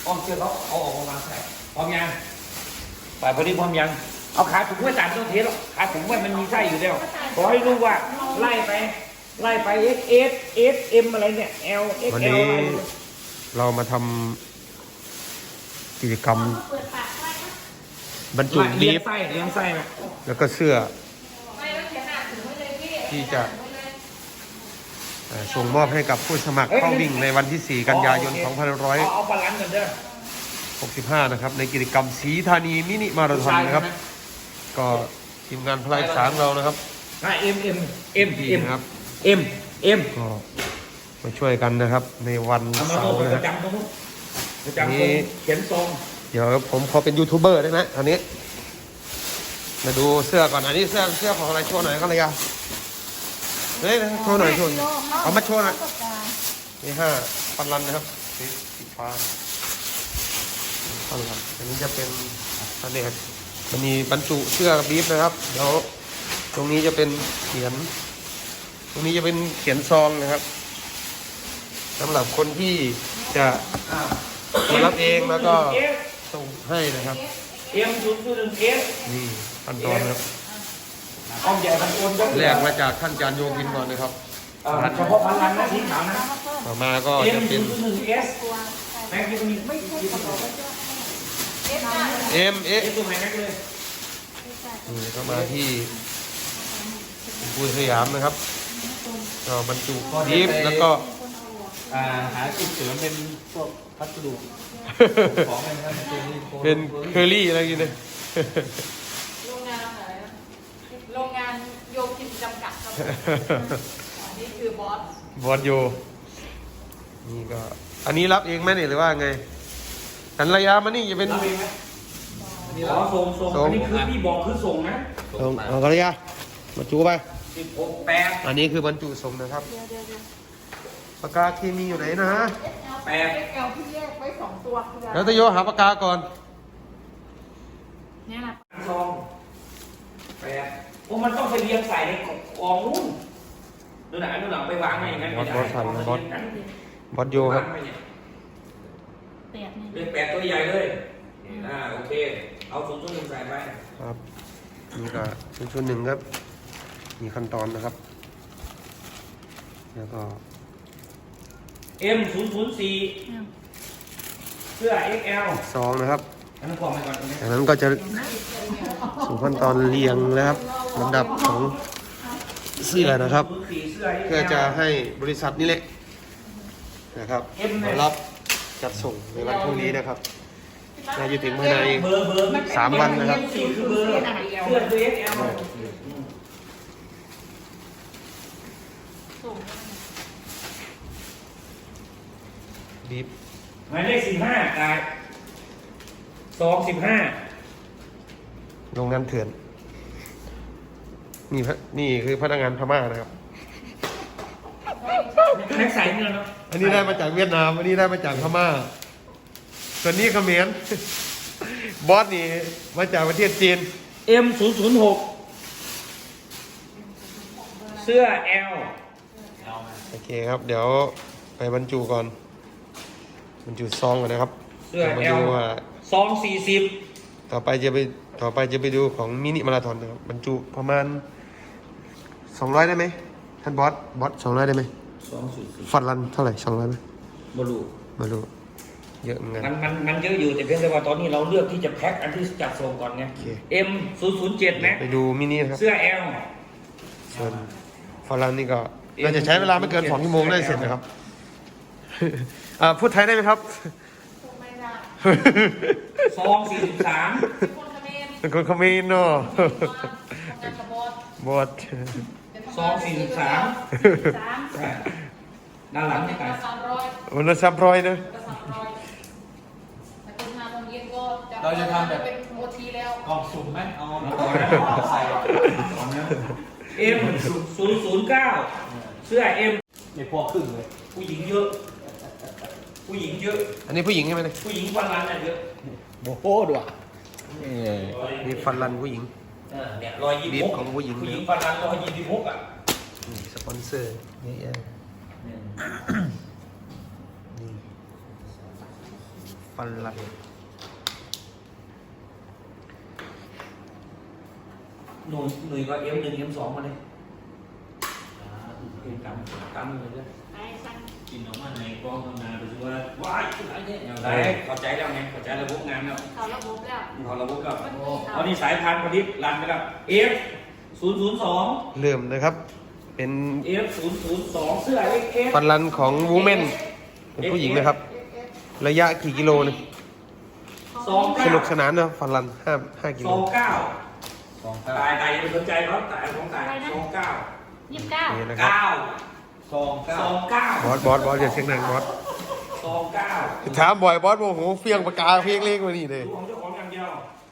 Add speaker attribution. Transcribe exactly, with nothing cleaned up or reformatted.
Speaker 1: อ้อมเชือกเขาเอาออกมาใส่พร้อมยังฝ่ายพอดีพร้อมยังเอาขาถุงไว้ตามต้องเทสหรอกขาถุงไว้มันมีไส้อยู่แล้วขอให้รู้ว่าไล่ไปไล่ไป S S S M อะไรเนี่ย L X
Speaker 2: วัน
Speaker 1: L
Speaker 2: นี้
Speaker 1: อะไร
Speaker 2: เรามาทำกิจกรรมบรรจุ
Speaker 1: เลี้
Speaker 2: บี
Speaker 1: ยง
Speaker 2: ฟ
Speaker 1: ไส้เลี้ยงไส้นะ
Speaker 2: แล้วก็เสื้อที่จะเอ่อส่งมอบให้กับผู้สมัครเข้าวิ่งในวันที่ สี่ กันยายน สองพันห้าร้อย
Speaker 1: เอาเอาปลาลันกันเด้อ
Speaker 2: หกสิบห้า นะครับในกิจกรรมศรีธานีมินิมาราธอนนะครับ ก็ทีมงานพลายสารเรานะครับ
Speaker 1: อ่ะ M M M M
Speaker 2: นะครับ
Speaker 1: M M
Speaker 2: ก็มาช่วยกันนะครับในวัน
Speaker 1: เอามา
Speaker 2: เสา
Speaker 1: โน้ต
Speaker 2: ร์
Speaker 1: ป
Speaker 2: นะ
Speaker 1: ระ
Speaker 2: ครับ
Speaker 1: จำตรงนู้นประจำตรงเขียนทรง
Speaker 2: เดี๋ยวผมขอเป็นยูทูบเบอร์ได้ไหมอันนี้มาดูเสื้อก่อนอันนี้เสื้อเสื้อของอะไรโชว์หน่อยก็เลยอ่ะเฮ้ยโชว์หน่อยโชว์หน่อยเอามาโชว์หน่อยนี่ห้าพันลันนะครับสีสีฟ้าพันลันอันนี้จะเป็นอันนี้มันมีบรรจุเสื้อบีฟนะครับเดี๋ยวตรงนี้จะเป็นเขียน ตรงนี้จะเป็นเขียนซองนะครับสำหรับคนที่จะมารับเองแล้วก็ส่งให้นะครับ
Speaker 1: เอ็มศูนย์ศูนย์หนึ่งเอส
Speaker 2: นี่ขั้นตอนนะครับ
Speaker 1: อ้อมใหญ่พันโอนก็
Speaker 2: แรกมาจากท่านอาจารย์โยกินก่อนนะครับ
Speaker 1: เอ่อเฉพาะพันลันนะสีขาวนะ
Speaker 2: ต่อมาก็
Speaker 1: เอ็ม
Speaker 2: จะ
Speaker 1: ศู
Speaker 2: เป็น
Speaker 1: นย์ศูนย์หนึ่งเอสแม็กซ์มีไม่ใช่ขนม
Speaker 2: เอ็มเอ
Speaker 1: เอ็มตัวไหนแม็กซ์เลย
Speaker 2: นี่ก็มาที่ปูสยามนะครับก็บรรจุบีฟแล้วก็
Speaker 3: อ่าหาจุดเสริมเป็นพวกพัสดุของอะไรนะครับตัวนี้
Speaker 2: เป็นเคอรี่อะไรกินเลย
Speaker 4: โรงงานอะไรนะโรงงานโยคินจำกัดครับอันนี้คือบอส
Speaker 2: บอสโยนี่ก็อันนี้รับเองไหมเนี่ยหรือว่าไงกันระยะมานี่จะเป็น
Speaker 1: รับเองไหมอ๋อส่งส่งอันนี้คือพี่บอกคือส่งนะ
Speaker 2: ส่งเอากันระยะมาจูไป
Speaker 1: สิบหกแปด
Speaker 2: อันนี้คือบรรจุส่งนะครับปากกาเคมีอยู่ไหนนะฮะ
Speaker 1: แปด
Speaker 4: เอลที่แยกไว้สองตัวคือ
Speaker 2: แล้วตะโยหาปากกาก่อน
Speaker 4: เนี่ยนะ
Speaker 1: ซองแปดโอ้มันต้องไปเรียงใส่ในกองนู่นดูหนังดูหนังไปวางไว้อย่างนั้นไม่ได้
Speaker 2: บอสสั่นบอส บอสโยครับ
Speaker 4: แปดนี่
Speaker 1: เรียกแปดตัวใหญ่เลยอ่าโอเคเอาศูนย์ตัวหนึ่งใส่ไป
Speaker 2: ครับนี่ก็ชุดชุดหนึ่งครับมีขั้นตอนนะครับ แล้วก็
Speaker 1: เอ็มศูนย์ศูนย์สี่เสื้อ เอ็กซ์ แอล
Speaker 2: ซองนะครับ
Speaker 1: อันนั้นกล่องไปก่อนตรงนี้
Speaker 2: จากนั้นก็จะสู่ขั้นตอนเรียงนะครับลำดับของเสื้อนะครับ เพื่อจะให้บริษัทนี้แหละนะครับมารับจัดส่งในวันพรุ่งนี้นะครับน่าจะถึงภายใน
Speaker 1: เบอร์เบอร์
Speaker 2: สามวันนะครับ
Speaker 1: สี่คือเบอร์เสื้อคือ เอ็กซ์ แอล
Speaker 4: ส่ง
Speaker 2: บีบ
Speaker 1: หมายเลขสิบห้าจ่ายสองสิบห้า
Speaker 2: โรงงานเถื่อนนี่พะนี่คือพนักงานพม่านะครับ
Speaker 1: แม็กใส่เงินเนาะ
Speaker 2: อันนี้ได้มาจากเวียดนาม อันนี้ได้มาจากพม่า ส่วนนี้เขมร บอสนี่มาจากประเทศจีน
Speaker 1: เอ็มศูนย์ศูนย์หกเสื้อ L
Speaker 2: โอเคครับ เดี๋ยวไปบรรจุก่อน บรรจุซองก่อนนะครับ
Speaker 1: เสื้อ
Speaker 2: มา
Speaker 1: L
Speaker 2: ดูว่า
Speaker 1: สองสี่สิบ
Speaker 2: ต่อไปจะไปต่อไปจะไปดูของมินิมาราธอนนะครับ บรรจุประมาณสองร้อยได้ไหมท่านบอส บอสสองร้อยได้ไหม
Speaker 1: สองสี่สิบ
Speaker 2: ฟันรันเท่าไหร่สองร้อยไหม
Speaker 1: บลู
Speaker 2: ไม่รู้เยอะเหมือนกัน
Speaker 1: มันมันมันเยอะอยู่แต่เพียงแต่ว่าตอนนี้เราเลือกที่จะแพ็คอันที่จัดส่งก่อนไง
Speaker 2: โอเค
Speaker 1: M ศูนย์ศูนย์เจ็ดนะ
Speaker 2: ไปดูมินินะครับ
Speaker 1: เสื้อ L
Speaker 2: ส่วนฟันรันนี่ก็เราจะใช้เวลาไม่เกินสองชั่วโมงได้เสร็จนะครับ อ่าพูดไทยได้ไหมครับ
Speaker 4: ส่งไม่ได้
Speaker 1: ซองสี่สิบสาม
Speaker 4: เป็นคนเขมร
Speaker 2: เป็นคนเขมรเนาะ
Speaker 4: ทำงานกับบอส
Speaker 2: บอส
Speaker 1: ซองสี่สิบสาม
Speaker 4: สาม
Speaker 1: ด้านหลังนี่
Speaker 4: ก
Speaker 1: กัน
Speaker 4: ระสามร้อย
Speaker 2: วันละสามร้อยเนอะ
Speaker 4: กระสามร้อยแต่คุณห้าโมงเย็นก็จะ
Speaker 3: เราจะทำแบบ
Speaker 4: เป็นโอทีแล้ว
Speaker 3: กล่องสุ่มไหมเอา
Speaker 1: ใส่ M ศูนย์ศูนย์เก้าเสื้อ M
Speaker 3: ไม่พอครึ่งเลย
Speaker 1: ผู้หญิงเยอะ ผู้หญิงเยอะ
Speaker 2: อันนี้ผู้หญิงใช่ไหมเนี่ย
Speaker 1: ผู้หญิงวันรันน่ะเยอะ
Speaker 3: โอ้โหด้วย
Speaker 2: นี่ฟันรันผู้หญิง
Speaker 1: เออเนี่ยรอยยี่สิบหก
Speaker 2: บีบของผู้หญิง
Speaker 1: ผู้หญิงวันรันรอยยี่สิบหกอ่ะ
Speaker 2: นี่สปอนเซอร์นี่เองนี่ฟันลัน
Speaker 1: หนุ่ยหนุ่ยก็เอ็มหนึ่งเอ็มสองมาเลยเอ็มกำกำเลยด้วย
Speaker 4: ไอ้สั่ง
Speaker 3: กินออกมาในกล้องทำงานไปดูว่า
Speaker 1: ว้ายอะไรเนี่ยอะไรเข้าใจแล้วไงเข้าใจระบบงานแล้ว
Speaker 4: เขาระบบแล้ว
Speaker 1: เขาระบบแล้ว
Speaker 4: มันมี
Speaker 1: เอานี่สายพันธุ์พอดีรันไปแล้ว F ศูนย์ศูนย์สอง
Speaker 2: เริ่มนะครับ เป็น
Speaker 1: F ศูนย์ศูนย์สองเสื้อ X F
Speaker 2: ฟันลันของวูแมนเป็นผู้หญิงนะครับ ระยะกี่กิโลเนี่ย
Speaker 1: สอง
Speaker 2: ส
Speaker 1: เก้า
Speaker 2: นุกสนานเนอะฟันลันห้าห้ากิ
Speaker 1: ส
Speaker 2: โล
Speaker 1: องเก้า
Speaker 3: สองเก้า
Speaker 1: ตายตายอย่าไปสนใจเขาตายของตายสองเก้า
Speaker 4: ยี่สิบเก้า
Speaker 2: นี่นะครับ
Speaker 1: เก้า
Speaker 3: สองเก้า
Speaker 1: สองเก้า
Speaker 2: บอสบอสบอสอย่าเสียงดังบอส
Speaker 1: สองเก้า
Speaker 2: ถามบ่อยบอสโมโหเฟียงปากกาเพียงเล็กกว่านี่เลย
Speaker 1: ดูของเจ้าของอย่างเดียว
Speaker 2: อ